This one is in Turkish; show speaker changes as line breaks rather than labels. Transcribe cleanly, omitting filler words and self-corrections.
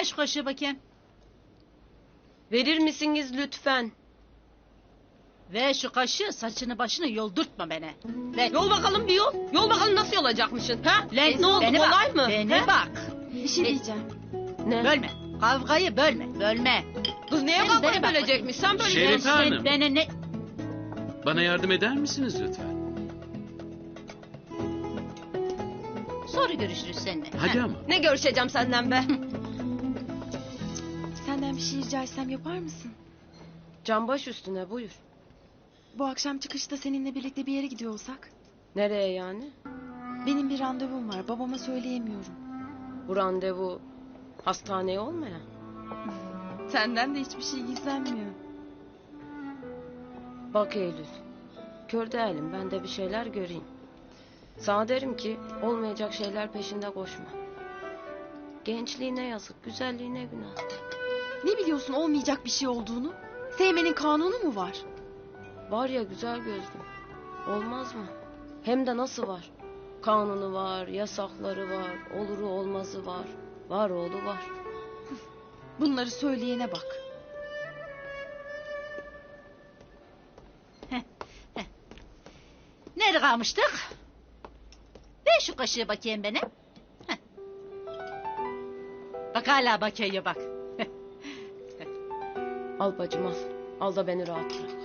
Ver şu kaşığı bakayım.
Verir misiniz lütfen?
Ver şu kaşığı, saçını başını yoldurtma beni. Ver.
Yol bakalım bir yol. Yol bakalım nasıl yolacakmışsın? Ha?
Lan,
Ne oldu,
beni
kolay
bak,
mı?
Beni
He?
bak.
Bir şey diyeceğim.
Ne?
Bölme. Kavgayı bölme. Bölme.
Kız neye
Beni
kavgayı
bak
bölecekmiş? Sen böyle
Şerif
Sen
Hanım.
beni ne...
Bana yardım eder misiniz lütfen?
Sonra görüşürüz seninle.
Hadi
Ha.
ama.
Ne görüşeceğim senden be?
Senden bir şey rica etsem yapar mısın?
Can baş üstüne buyur.
Bu akşam çıkışta seninle birlikte bir yere gidiyor olsak?
Nereye yani?
Benim bir randevum var. Babama söyleyemiyorum.
Bu randevu hastaneye olmayan.
Senden de hiçbir şey gizlenmiyor.
Bak Eylül. Kör değilim, ben de bir şeyler göreyim. Sana derim ki olmayacak şeyler peşinde koşma. Gençliğine yazık, güzelliğine günah.
Ne biliyorsun olmayacak bir şey olduğunu? Sevmenin kanunu mu var?
Var ya güzel gözlüm. Olmaz mı? Hem de nasıl var? Kanunu var, yasakları var, oluru olmazı var. Var oğlu var.
Bunları söyleyene bak.
Nerede kalmıştık? Ver şu kaşığı bakayım bana. Heh. Bak hala bakıyor bak.
Al bacım al. Al da beni rahat bırak.